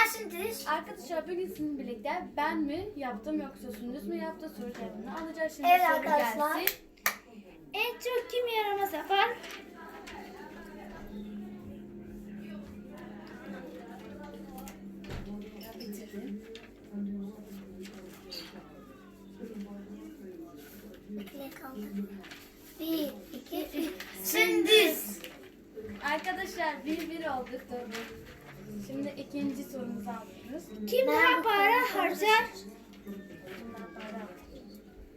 Sündüz. Arkadaşlar bugün sizinle birlikte ben mi yaptım yoksa Sündüz mü yaptı soru cevabını alacağız. Şimdi Evet soru arkadaşlar. gelsin. En çok kim yaramaz yapar? Bitirdim. Bekle kaldı. 1, 2, 3. Sündüz. Arkadaşlar 1-1 olduk doğru. Şimdi ikinci sorumuzu alıyoruz. Kim daha para harcar? Bundan para alıyoruz.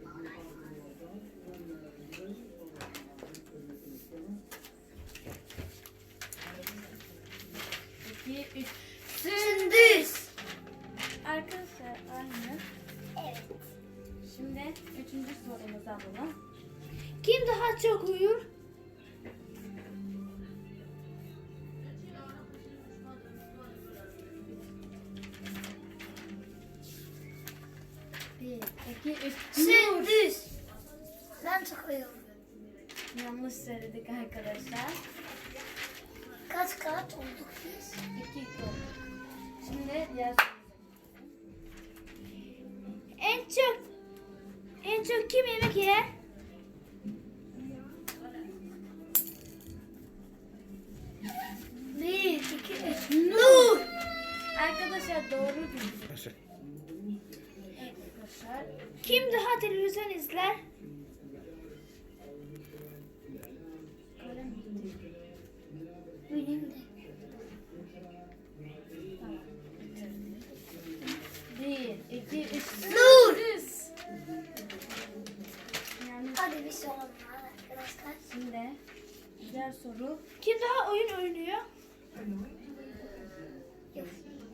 İki, üç. Sündüz. Arkadaşlar aynı. Evet. Şimdi üçüncü sorumuzu alalım. Kim daha çok uyur? Bir, iki, üç. Sündüz. Ben çok uyuyorum. Yanlış söyledik arkadaşlar. Kaç olduk biz? 2 oldu. Şimdi diğer En çok kim yemek yer? Bir, iki, üç. Nur. arkadaşlar doğru bildik. Evet arkadaşlar. Kim daha televizyon izler? Kalem bitti. Benim de. Tamam, bitirdik. 1, 2, 3. Nur. Düz. Yani Hadi bir soru var arkadaşlar. şimdi diğer soru. Kim daha oyun oynuyor? Yok.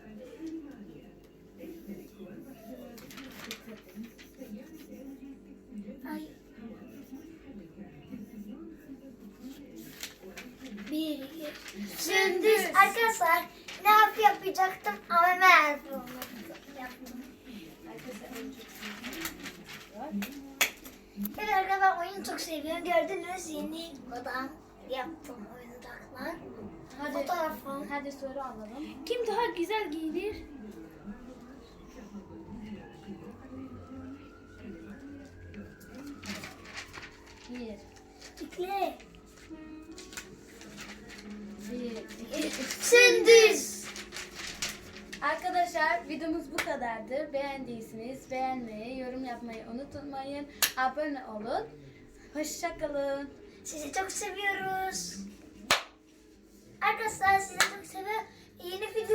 Ay. Bir, iki. Sündüz. Arkadaşlar ne yapacaktım ama ben yaptım. Arkadaşlar en çok var. Evet arkadaşlar ben oyunu çok seviyorum. Gördünüz yeni odam yaptım oyuncaklar. Hadi, Fotoğrafım. hadi soru alalım. Kim daha güzel giyinir? Bir, Bekle. iki, üç. Sündüz. Arkadaşlar videomuz bu kadardı. Beğendiyseniz beğenmeyi, yorum yapmayı unutmayın. Abone olun. Hoşça kalın. Sizi çok seviyoruz. Arkadaşlar sizi çok seviyorum. Yeni video